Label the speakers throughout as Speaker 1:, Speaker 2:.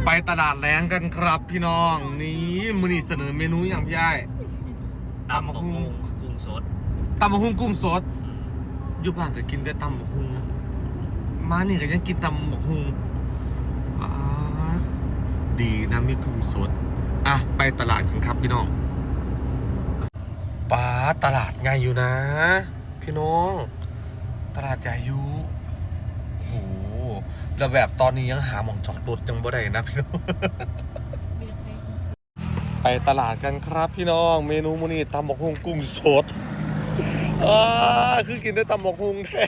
Speaker 1: ไปตลาดแรงกันครับพี่น้องนี่มื้อนี้เสนอเมนูอย่างพี่ไอ้
Speaker 2: ตำบักหุ่งกุ้งสด
Speaker 1: ตำบักหุ่งกุ้งสดอยู่บ้านก็กินแต่ตำบักหุ่งมานี่ก็ยังกินตำบักหุ่งดีนะมีกุ้งสดอ่ะไปตลาดกันครับพี่น้องป้าตลาดใหญ่อยู่นะพี่น้องตลาดใหญ่อยู่โอ้โหแล้วแบบตอนนี้ยังหาหม่องจอดรถยังบ่ได้นะพี่น้อง ไปตลาดกันครับพี่น้องเมนูมื้อนี้ตำบักหุ่งกุ้งสดคือกินได้ตำบักหุ่งแท้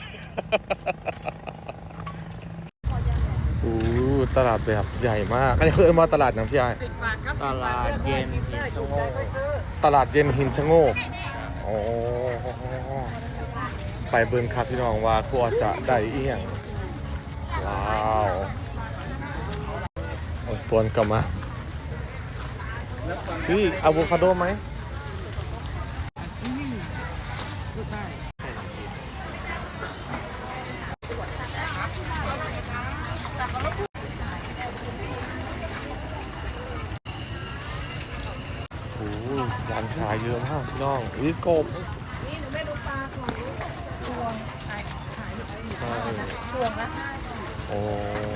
Speaker 1: โอ้ตลาดแบบใหญ่มากอันนี้คือมาตลาดนะพี่ไอ
Speaker 2: ตลาดเย็นหินชะโงก
Speaker 1: ตลาดเย็นหินชะโงกโอ้ไปเบิ่งครับพี่น้องว่าครัวจะได้อีหยังว้าวตวนกลับมาพี่อะโวคาโดไหมโอ้ร้านขายเยอะมากพี่น้องอุ้ยกบ
Speaker 3: นี่หนูไม่รู้ปลาของพวงขายพวงละ
Speaker 1: โอ้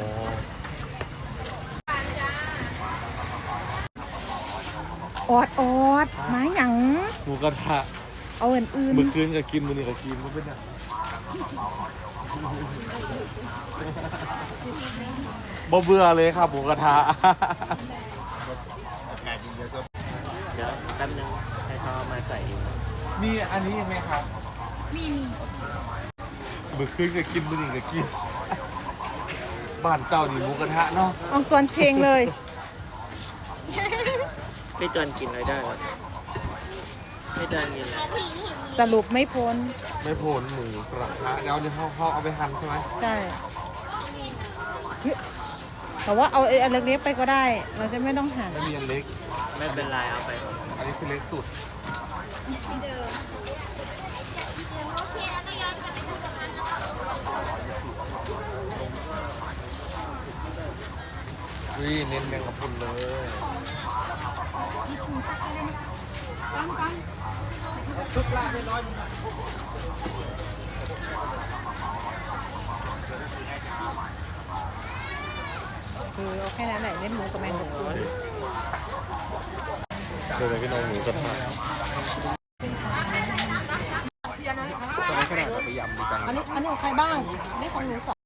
Speaker 3: อดไม้หยัง
Speaker 1: หมูกระทะ
Speaker 3: เอาอื่น
Speaker 1: เมื่อคืนก็กินมื้อนี้ก็กินมันเป็นอะบ่เบื่อเลยครับหมูกระทะ
Speaker 2: เดี๋ยวแป๊บนึงให้เขามาใส่อยู่
Speaker 1: มีอันนี้ยังไหมครับ
Speaker 3: มี
Speaker 1: เมื่อคืนก็กินมื้อนี้ก็กินบ้านเจ้านี่หมูกระทะเนาะ
Speaker 3: เอากวนเชงเลย
Speaker 2: ไม่เกินกินเลยได้หรอไม่เกินกินเลย
Speaker 3: สรุปไม่พ้น
Speaker 1: ไม่พ้นหมูกระทะเดี๋ยวเขาเอาไปหั่นใช่ไหม
Speaker 3: ใช่แต่ว่าเอาอันเล็กๆไปก็ได้เราจะไม่ต้องหั่น
Speaker 1: ไม่มีอันเล็ก
Speaker 2: ไม่เป็นไรเอาไป
Speaker 1: อันนี้คือเล็กสุดนี่เน้นแมงกะพรุนเลยชุดละน้อย
Speaker 3: คือเอาแค่นั้นแหละเน้นหมูกับแมงกะพรุน
Speaker 1: เดี๋ยวพี่น้องหมูกระทะใส่กระดาษไปยำดีกัน
Speaker 3: อันนี้ของใครบ้างนี่ของหนู